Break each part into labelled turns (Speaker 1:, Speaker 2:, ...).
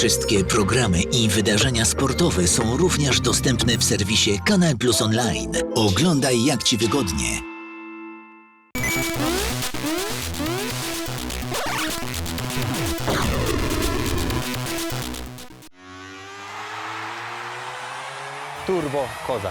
Speaker 1: Wszystkie programy i wydarzenia sportowe są również dostępne w serwisie Kanal Plus Online. Oglądaj jak Ci wygodnie.
Speaker 2: Turbo Kozak.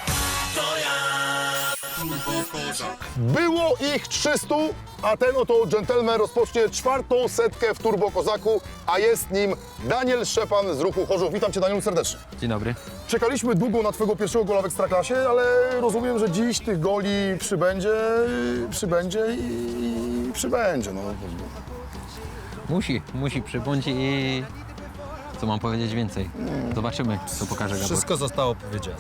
Speaker 3: Było ich 300, a ten oto dżentelmen rozpocznie 4. setkę w Turbo Kozaku, a jest nim Daniel Szczepan z Ruchu Chorzów. Witam Cię, Daniel, serdecznie.
Speaker 2: Dzień dobry.
Speaker 3: Czekaliśmy długo na Twojego pierwszego gola w Ekstraklasie, ale rozumiem, że dziś tych goli przybędzie i przybędzie. No.
Speaker 2: Musi przybądź i... Co mam powiedzieć więcej? Zobaczymy, co pokaże Gabor.
Speaker 4: Wszystko zostało powiedziane.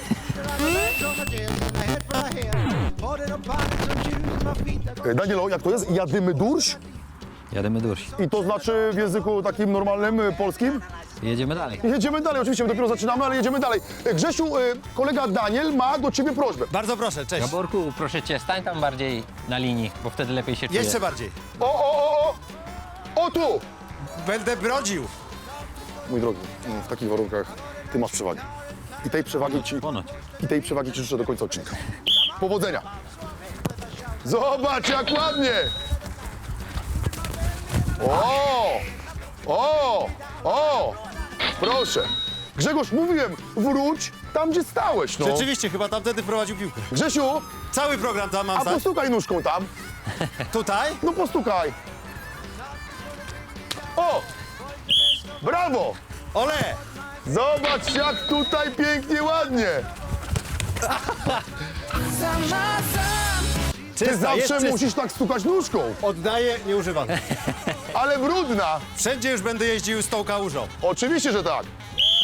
Speaker 3: Danielo, jak to jest? Jadymy durś?
Speaker 2: Jadymy durś.
Speaker 3: I to znaczy w języku takim normalnym, polskim?
Speaker 2: Jedziemy dalej.
Speaker 3: Jedziemy dalej, oczywiście, my dopiero zaczynamy, ale jedziemy dalej. Grzesiu, kolega Daniel ma do Ciebie prośbę.
Speaker 4: Bardzo proszę, cześć.
Speaker 2: Gaborku, proszę cię, stań tam bardziej na linii, bo wtedy lepiej się czuję.
Speaker 4: Jeszcze bardziej.
Speaker 3: O tu!
Speaker 4: Będę brodził.
Speaker 3: Mój drogi, w takich warunkach Ty masz przewagę. I tej przewagi Ci życzę do końca odcinka. Powodzenia! Zobacz, jak ładnie! O! Proszę. Grzegorz, mówiłem, wróć tam, gdzie stałeś, no.
Speaker 4: Rzeczywiście, chyba tamtędy prowadził piłkę.
Speaker 3: Grzesiu,
Speaker 4: Cały program tam mam
Speaker 3: a
Speaker 4: stać.
Speaker 3: postukaj nóżką tam.
Speaker 4: Tutaj?
Speaker 3: No postukaj. O! Brawo!
Speaker 4: Ole!
Speaker 3: Zobacz, jak tutaj pięknie, ładnie. Ty
Speaker 4: Czysta,
Speaker 3: zawsze
Speaker 4: jest czysta.
Speaker 3: musisz tak stukać nóżką,
Speaker 4: Oddaję nieużywane.
Speaker 3: ale brudna.
Speaker 4: Wszędzie już będę jeździł z tą kałużą.
Speaker 3: Oczywiście, że tak.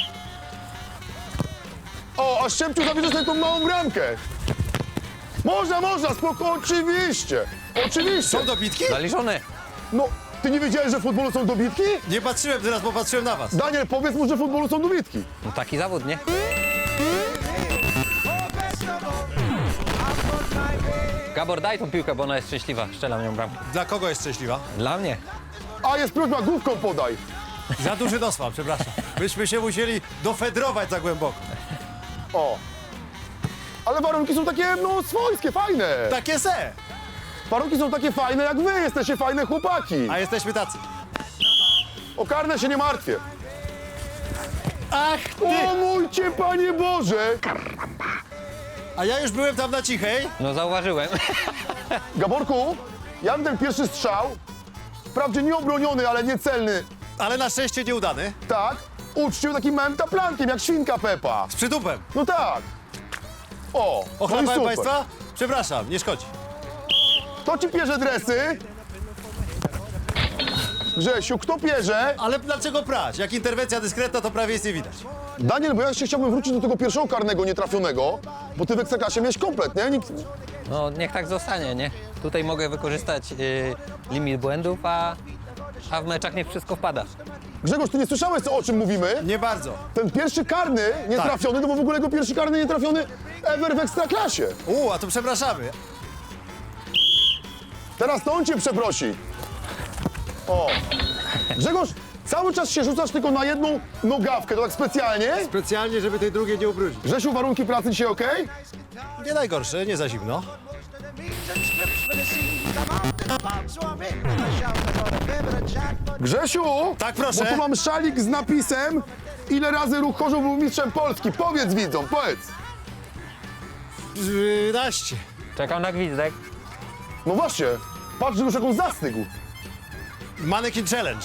Speaker 3: O, a Szczepciu zabierze sobie tą małą bramkę. Można, spoko, oczywiście.
Speaker 4: Są dobitki?
Speaker 2: Zaliczone.
Speaker 3: No, ty nie wiedziałeś, że w futbolu są dobitki?
Speaker 4: Nie patrzyłem teraz, bo patrzyłem na was.
Speaker 3: Daniel, powiedz mu, że w futbolu są dobitki.
Speaker 2: No taki zawód, nie? Gabor, daj tą piłkę, bo ona jest szczęśliwa. Strzelam ją bramkę.
Speaker 4: Dla kogo jest szczęśliwa?
Speaker 2: Dla mnie.
Speaker 3: A jest prośba, główką podaj.
Speaker 4: Za duży nos mam, przepraszam. Myśmy się musieli dofedrować za głęboko.
Speaker 3: O. Ale warunki są takie, no, swojskie, fajne.
Speaker 4: Takie se.
Speaker 3: Warunki są takie fajne, jak wy jesteście fajne chłopaki.
Speaker 4: A jesteśmy tacy.
Speaker 3: O karne się nie martwię.
Speaker 4: Ach ty!
Speaker 3: O mój Cię, Panie Boże!
Speaker 4: A ja już byłem tam na cichej.
Speaker 2: No zauważyłem.
Speaker 3: Gaborku, ja mam ten pierwszy strzał, wprawdzie nieobroniony, ale niecelny,
Speaker 4: Ale na szczęście nieudany.
Speaker 3: tak, uczcił takim małym taplankiem, jak świnka Pepa.
Speaker 4: Z przytupem.
Speaker 3: No tak. O, no i
Speaker 4: Ochlapałem
Speaker 3: super.
Speaker 4: państwa? Przepraszam, nie szkodzi.
Speaker 3: Kto Ci pierze dresy? Grzesiu, kto pierze?
Speaker 4: Ale dlaczego prać? Jak interwencja dyskretna, to prawie nic nie widać.
Speaker 3: Daniel, bo ja jeszcze chciałbym wrócić do tego pierwszego karnego nietrafionego, bo Ty w Ekstraklasie miałeś komplet, nie?
Speaker 2: No niech tak zostanie, nie? Tutaj mogę wykorzystać limit błędów, a w meczach niech wszystko wpada.
Speaker 3: Grzegorz, Ty nie słyszałeś, o czym mówimy?
Speaker 4: Nie bardzo.
Speaker 3: Ten pierwszy karny nietrafiony, to był w ogóle jego pierwszy karny nietrafiony ever w Ekstraklasie.
Speaker 4: A to przepraszamy.
Speaker 3: Teraz to on Cię przeprosi. O. Grzegorz, cały czas się rzucasz tylko na jedną nogawkę, to tak specjalnie?
Speaker 4: Specjalnie, żeby tej drugiej nie ubrudzić.
Speaker 3: Grzesiu, warunki pracy dzisiaj okej?
Speaker 4: Nie najgorsze, nie za zimno.
Speaker 3: Grzesiu!
Speaker 4: Tak, proszę.
Speaker 3: Bo tu mam szalik z napisem, ile razy Ruch Chorzów był mistrzem Polski. Powiedz widzom, powiedz.
Speaker 4: 12.
Speaker 2: Czekam na gwizdek.
Speaker 3: No właśnie, patrz, że już jak on zastygł.
Speaker 4: Mannequin Challenge.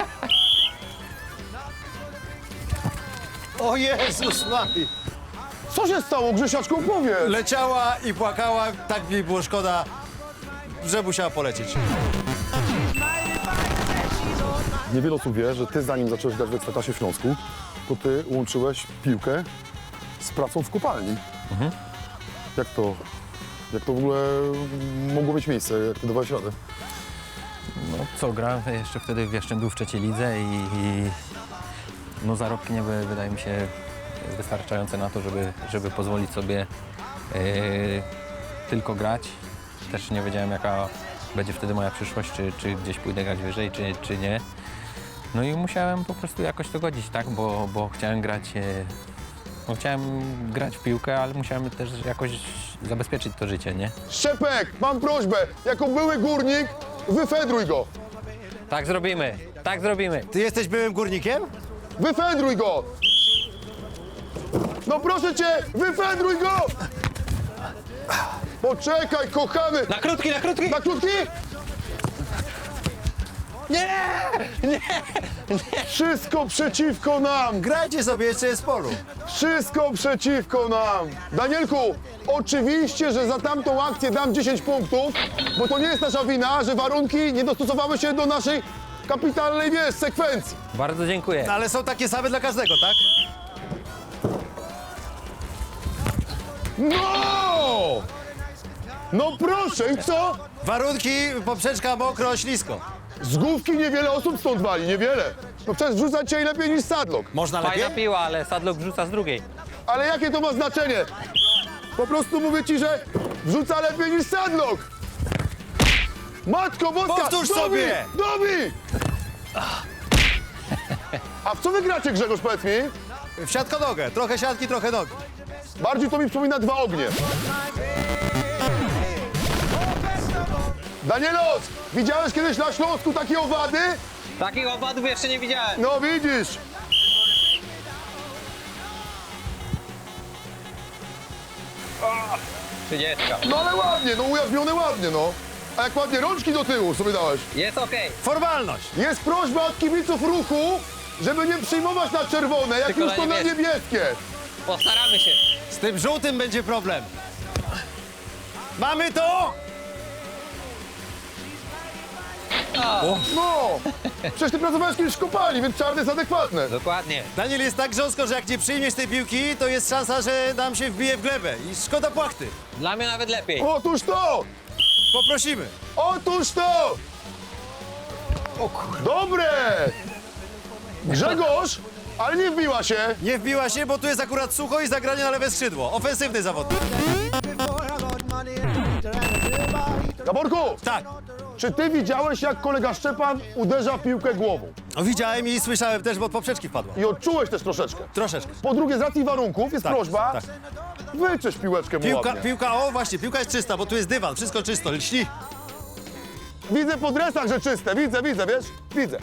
Speaker 4: O Jezus Maria.
Speaker 3: Co się stało, Grzesiaczku, powiedz.
Speaker 4: Leciała i płakała, tak mi było szkoda, że musiała polecieć.
Speaker 3: Niewiele osób wie, że ty zanim zacząłeś grać w Ekstraklasie w Śląsku, to ty łączyłeś piłkę z pracą w kopalni. Jak to w ogóle mogło mieć miejsce? Jak ty dawałeś radę?
Speaker 2: No co, grałem jeszcze wtedy w Jaszczębiu w trzeciej lidze i no zarobki nie były, wydaje mi się, wystarczające na to, żeby pozwolić sobie tylko grać. Też nie wiedziałem, jaka będzie wtedy moja przyszłość, czy gdzieś pójdę grać wyżej, czy nie. No i musiałem po prostu jakoś to godzić, tak? Bo chciałem grać... chciałem grać w piłkę, ale musiałem też jakoś zabezpieczyć to życie, nie?
Speaker 3: Szczepek, mam prośbę, jako były górnik, wyfedruj go.
Speaker 2: Tak zrobimy, tak zrobimy.
Speaker 4: Ty jesteś byłym górnikiem?
Speaker 3: Wyfedruj go! No proszę cię, wyfedruj go! Poczekaj, kochany!
Speaker 2: Na krótki, na krótki!
Speaker 3: Na krótki?
Speaker 2: Nie! Nie!
Speaker 3: Wszystko przeciwko nam!
Speaker 4: Grajcie sobie, jeszcze jest w polu.
Speaker 3: Wszystko przeciwko nam! Danielku, oczywiście, że za tamtą akcję dam 10 punktów, bo to nie jest nasza wina, że warunki nie dostosowały się do naszej kapitalnej, sekwencji.
Speaker 2: Bardzo dziękuję.
Speaker 4: No, ale są takie same dla każdego, tak?
Speaker 3: No! No proszę, i co?
Speaker 4: Warunki, poprzeczka mokro, ślisko.
Speaker 3: Z główki niewiele osób stąd wali, niewiele. No przecież wrzuca cię lepiej niż Sadlock.
Speaker 4: Można
Speaker 2: Fajna
Speaker 4: lepiej?
Speaker 2: piła, ale Sadlock wrzuca z drugiej.
Speaker 3: Ale jakie to ma znaczenie? Po prostu mówię ci, że wrzuca lepiej niż Sadlock. Matko boska!
Speaker 4: Powtórz sobie!
Speaker 3: Dobi! A w co wy gracie, Grzegorz, powiedz mi?
Speaker 4: W siatkonogę. Trochę siatki, trochę nogi.
Speaker 3: Bardziej to mi przypomina dwa ognie. Danielos, widziałeś kiedyś na Śląsku takie owady?
Speaker 2: Takich owadów jeszcze nie widziałem.
Speaker 3: No widzisz.
Speaker 2: Trzydziestka.
Speaker 3: No ale ładnie, no ujarzmione ładnie, no. A jak ładnie rączki do tyłu sobie dałeś.
Speaker 2: Jest okej.
Speaker 4: Formalność.
Speaker 3: Jest prośba od kibiców ruchu, żeby nie przyjmować na czerwone, jak
Speaker 2: Tylko
Speaker 3: już
Speaker 2: na
Speaker 3: to na
Speaker 2: niebieskie.
Speaker 3: niebieskie.
Speaker 2: Postaramy się.
Speaker 4: Z tym żółtym będzie problem. Mamy to!
Speaker 3: No, przecież ty pracowałeś kiedyś w kopalni, więc czarne jest adekwatne.
Speaker 2: Dokładnie.
Speaker 4: Daniel, jest tak grząsko, że jak nie przyjmiesz tej piłki, to jest szansa, że nam się wbije w glebę. I szkoda płachty.
Speaker 2: Dla mnie nawet lepiej.
Speaker 3: Otóż to!
Speaker 4: Poprosimy.
Speaker 3: Otóż to! Dobre! Grzegorz, ale nie wbiła się.
Speaker 4: Nie wbiła się, bo tu jest akurat sucho i zagranie na lewe skrzydło. Ofensywny zawodnik.
Speaker 3: Gaborku,
Speaker 4: Tak.
Speaker 3: czy ty widziałeś, jak kolega Szczepan uderza piłkę głową?
Speaker 4: No, widziałem i słyszałem też, bo od poprzeczki wpadła.
Speaker 3: I odczułeś też troszeczkę.
Speaker 4: Troszeczkę.
Speaker 3: Po drugie, z racji warunków jest
Speaker 4: Tak,
Speaker 3: prośba,
Speaker 4: tak.
Speaker 3: wyczyść piłeczkę mu ładnie.
Speaker 4: Piłka, o właśnie, piłka jest czysta, bo tu jest dywan, wszystko czysto, lśni.
Speaker 3: Widzę po dresach, że czyste, widzę, wiesz? Widzę.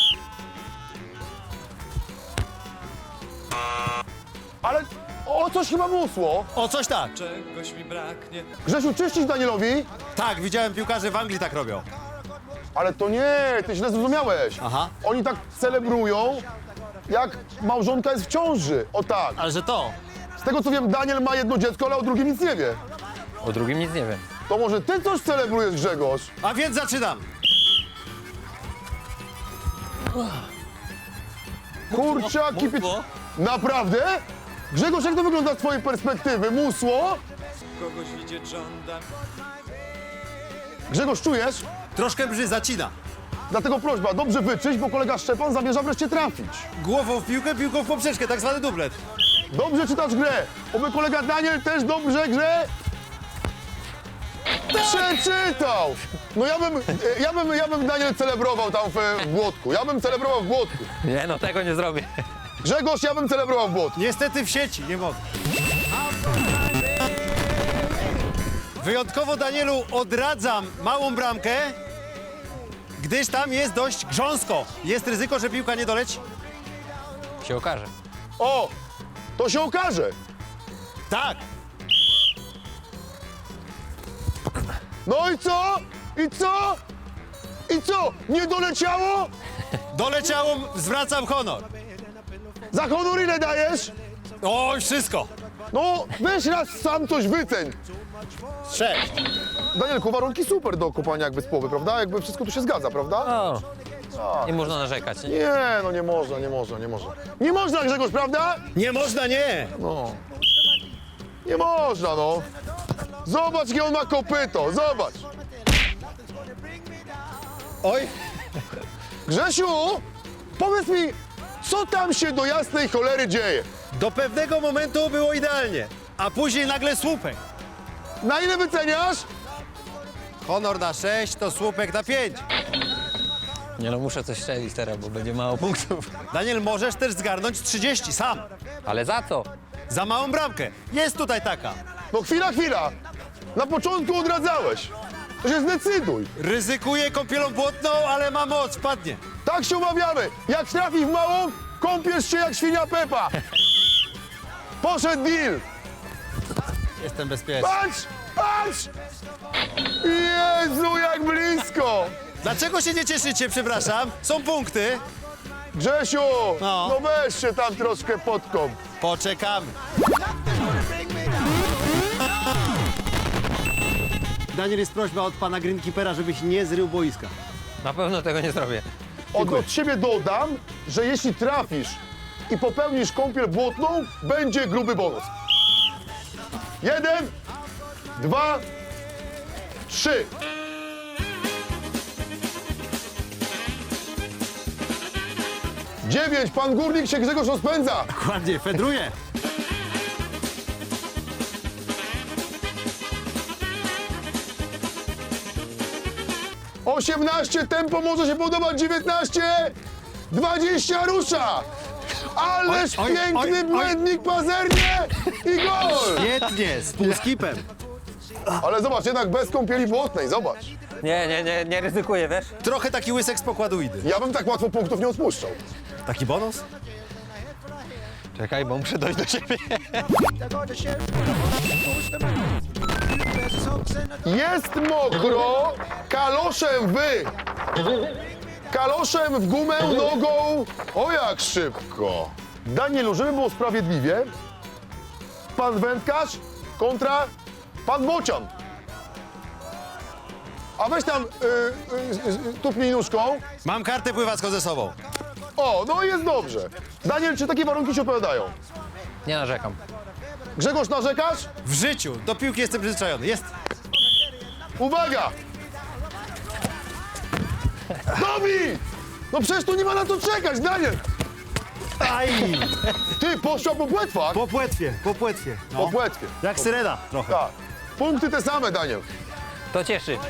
Speaker 3: Ale o coś chyba musło.
Speaker 4: O, coś tak.
Speaker 5: Czegoś mi braknie.
Speaker 3: Grzesiu, czyścić Danielowi,
Speaker 4: Tak, widziałem piłkarzy w Anglii tak robią.
Speaker 3: ale to nie, ty źle zrozumiałeś.
Speaker 4: Aha.
Speaker 3: Oni tak celebrują, jak małżonka jest w ciąży. O tak.
Speaker 4: Ale że to.
Speaker 3: Z tego co wiem, Daniel ma jedno dziecko, ale o drugim nic nie wie.
Speaker 2: O drugim nic nie wiem.
Speaker 3: To może ty coś celebrujesz, Grzegorz?
Speaker 4: A więc zaczynam.
Speaker 3: Kurczaki, naprawdę? Grzegorz, jak to wygląda z twojej perspektywy? Musło?
Speaker 5: Kogoś widzieć żądam.
Speaker 3: Grzegorz, czujesz?
Speaker 4: Troszkę zacina.
Speaker 3: Dlatego prośba, dobrze wyczyść, bo kolega Szczepan zamierza wreszcie trafić.
Speaker 4: Głową w piłkę, piłką w poprzeczkę, tak zwany dublet.
Speaker 3: Dobrze czytasz grę. Oby kolega Daniel też dobrze grę przeczytał. No ja bym Daniel celebrował tam w Błotku. Ja bym celebrował w Błotku.
Speaker 2: Nie, no tego nie zrobię.
Speaker 3: Grzegorz, ja bym celebrował w Błotku.
Speaker 4: Niestety w sieci, nie mogę. Wyjątkowo, Danielu, odradzam małą bramkę, gdyż tam jest dość grząsko. Jest ryzyko, że piłka nie doleci.
Speaker 2: Się okaże.
Speaker 3: O, to się okaże.
Speaker 4: Tak.
Speaker 3: No i co? I co? I co? Nie doleciało?
Speaker 4: Doleciało, zwracam honor.
Speaker 3: Za honor ile dajesz?
Speaker 4: Oj, wszystko.
Speaker 3: No, weź raz sam coś wyceń.
Speaker 4: 6.
Speaker 3: Danielku, warunki super do kopania jakby z połowy, prawda? Jakby wszystko tu się zgadza, prawda?
Speaker 2: O, nie można narzekać. Nie?
Speaker 3: Nie, no nie można. Nie można, Grzegorz, prawda?
Speaker 4: Nie można, nie.
Speaker 3: No. Nie można, no. Zobacz, jakie on ma kopyto, zobacz.
Speaker 4: Oj.
Speaker 3: Grzesiu, powiedz mi, co tam się do jasnej cholery dzieje?
Speaker 4: Do pewnego momentu było idealnie, a później nagle słupek.
Speaker 3: Na ile wyceniasz?
Speaker 4: Honor na 6, to słupek na 5.
Speaker 2: Nie no, muszę coś strzelić teraz, bo będzie mało punktów.
Speaker 4: Daniel, możesz też zgarnąć 30 sam.
Speaker 2: Ale za co?
Speaker 4: Za małą bramkę. Jest tutaj taka.
Speaker 3: No chwila! Na początku odradzałeś. To się zdecyduj.
Speaker 4: Ryzykuje kąpielą błotną, ale ma moc, padnie.
Speaker 3: Tak się umawiamy. Jak trafi w małą, kąpiesz się jak świnia Pepa. Poszedł deal.
Speaker 4: Jestem bezpieczny.
Speaker 3: Patrz! Jezu, jak blisko!
Speaker 4: Dlaczego się nie cieszycie, przepraszam? Są punkty.
Speaker 3: Grzesiu,
Speaker 4: No.
Speaker 3: no weź się tam troszkę podkąp.
Speaker 4: Poczekamy. Daniel, jest prośba od pana greenkeepera, żebyś nie zrył boiska.
Speaker 2: Na pewno tego nie zrobię.
Speaker 3: Od siebie dodam, że jeśli trafisz i popełnisz kąpiel błotną, będzie gruby bonus. 1, 2, 3. Dziewięć, pan górnik się Grzegorz rozpędza.
Speaker 4: Dokładnie, fedruje.
Speaker 3: Osiemnaście, tempo może się podobać, 19, 20, rusza! Ależ
Speaker 4: Oj, oj,
Speaker 3: piękny
Speaker 4: oj, oj.
Speaker 3: błędnik pazernie i gol!
Speaker 4: Świetnie, z półskipem.
Speaker 3: Ale zobacz, jednak bez kąpieli błotnej, zobacz.
Speaker 2: Nie ryzykuję, wiesz?
Speaker 4: Trochę taki łysek z pokładu idy.
Speaker 3: Ja bym tak łatwo punktów nie odpuszczał.
Speaker 4: Taki bonus?
Speaker 2: Czekaj, bo muszę dojść do siebie.
Speaker 3: Jest mokro, kaloszem w gumę, nogą. O jak szybko. Danielu, żeby było sprawiedliwie, pan wędkarz kontra pan bocian. A weź tam tupnij nóżką.
Speaker 4: Mam kartę pływacką ze sobą.
Speaker 3: O, no jest dobrze. Daniel, czy takie warunki się odpowiadają?
Speaker 2: Nie narzekam.
Speaker 3: Grzegorz, narzekasz?
Speaker 4: W życiu do piłki jestem przyzwyczajony. Jest.
Speaker 3: Uwaga! Dobij! No przecież tu nie ma na to czekać, Daniel!
Speaker 4: Aj!
Speaker 3: Ty, poszła po płetwach?
Speaker 4: Po płetwie, po płetwie.
Speaker 3: Po
Speaker 4: No.
Speaker 3: płetwie.
Speaker 4: Jak syrena trochę.
Speaker 3: Tak. Punkty te same, Daniel.
Speaker 2: To cieszy.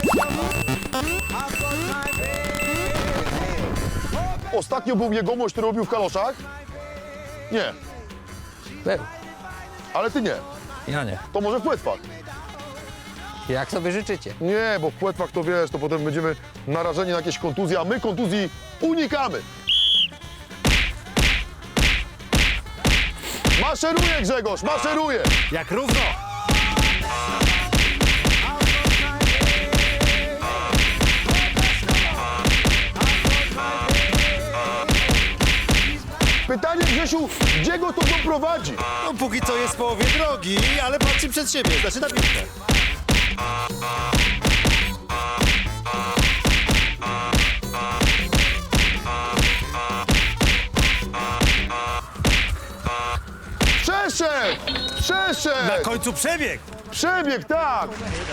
Speaker 3: Ostatnio był jegomość, który robił w kaloszach? Nie,
Speaker 2: Był.
Speaker 3: ale ty nie.
Speaker 2: Ja nie.
Speaker 3: To może w płetwach?
Speaker 2: Jak sobie życzycie.
Speaker 3: Nie, bo w płetwach to wiesz, to potem będziemy narażeni na jakieś kontuzje, a my kontuzji unikamy. Maszeruje, Grzegorz, maszeruje!
Speaker 4: Jak równo.
Speaker 3: Pytanie, Grzesiu, gdzie go to doprowadzi?
Speaker 4: No póki co jest w połowie drogi, ale patrzy przed siebie. Zaczyna piłkę.
Speaker 3: Przeszedł!
Speaker 4: Na końcu przebieg.
Speaker 3: Przebieg, tak!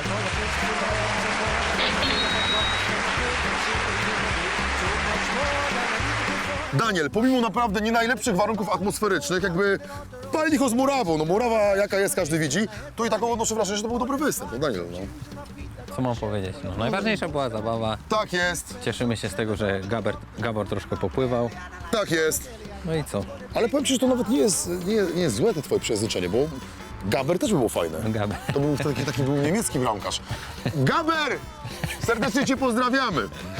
Speaker 3: Daniel, pomimo naprawdę nie najlepszych warunków atmosferycznych, jakby pali licho z murawą, no murawa jaka jest, każdy widzi, to i taką odnoszę wrażenie, że to był dobry występ, no Daniel, no.
Speaker 2: Co mam powiedzieć? No, najważniejsza była zabawa.
Speaker 3: Tak jest,
Speaker 2: Cieszymy się z tego, że Gabor troszkę popływał.
Speaker 3: tak jest.
Speaker 2: No i co?
Speaker 3: Ale powiem ci, że to nawet nie jest złe to twoje przejęzyczenie, bo Gaber też by było fajne.
Speaker 2: Gaber.
Speaker 3: To był taki był niemiecki bramkarz. Gaber! Serdecznie cię pozdrawiamy.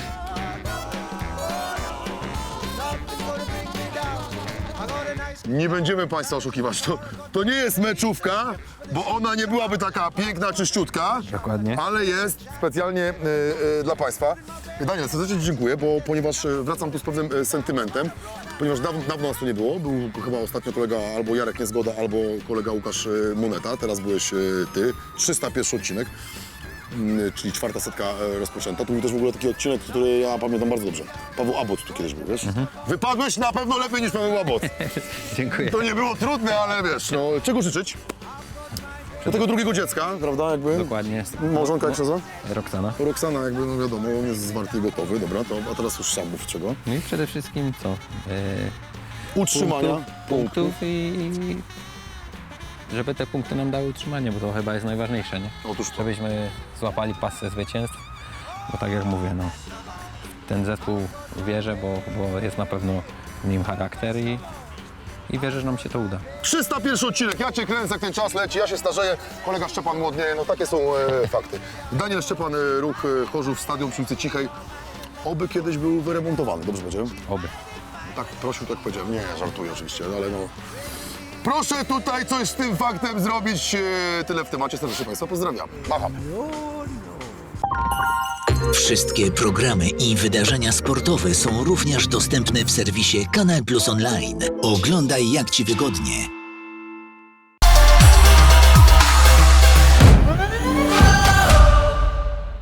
Speaker 3: Nie będziemy państwa oszukiwać. To nie jest meczówka, bo ona nie byłaby taka piękna, czyściutka.
Speaker 2: Dokładnie.
Speaker 3: Ale jest specjalnie dla państwa. Daniel, serdecznie ci dziękuję, ponieważ wracam tu z pewnym sentymentem, ponieważ dawno nas tu nie było. Był chyba ostatnio kolega albo Jarek Niezgoda, albo kolega Łukasz Moneta. Teraz byłeś ty. 301 odcinek, czyli 400 rozpoczęta. Tu był też w ogóle taki odcinek, który ja pamiętam bardzo dobrze. Paweł Abot tu kiedyś był, wiesz? Wypadłeś na pewno lepiej niż Paweł Abot.
Speaker 2: Dziękuję.
Speaker 3: To nie było trudne, ale wiesz, no, czego życzyć? Do tego drugiego dziecka, prawda, jakby?
Speaker 2: Dokładnie.
Speaker 3: Małżonka jak się nazywa?
Speaker 2: Roxana.
Speaker 3: Roxana, jakby, no wiadomo, on jest zwarty i gotowy, dobra, a teraz już sam mów czego?
Speaker 2: No i przede wszystkim co?
Speaker 3: Utrzymania
Speaker 2: Punktów i żeby te punkty nam dały utrzymanie, bo to chyba jest najważniejsze, nie?
Speaker 3: Otóż to.
Speaker 2: Żebyśmy złapali pasę zwycięstw, bo tak jak mówię, no ten zespół wierzę, bo jest na pewno w nim charakter i wierzę, że nam się to uda.
Speaker 3: 301 odcinek, ja cię kręcę, jak ten czas leci, ja się starzeję, kolega Szczepan młodnieje, no takie są fakty. Daniel Szczepan, ruch Chorzów, stadion przy ulicy Cichej. Oby kiedyś był wyremontowany, dobrze będzie?
Speaker 2: Oby.
Speaker 3: Tak prosił, tak powiedziałem. Nie, żartuję oczywiście, ale no... Proszę tutaj coś z tym faktem zrobić. Tyle w temacie, serdecznie Państwa pozdrawiam. Macham.
Speaker 1: Wszystkie programy i wydarzenia sportowe są również dostępne w serwisie Kanal Plus Online. Oglądaj jak Ci wygodnie.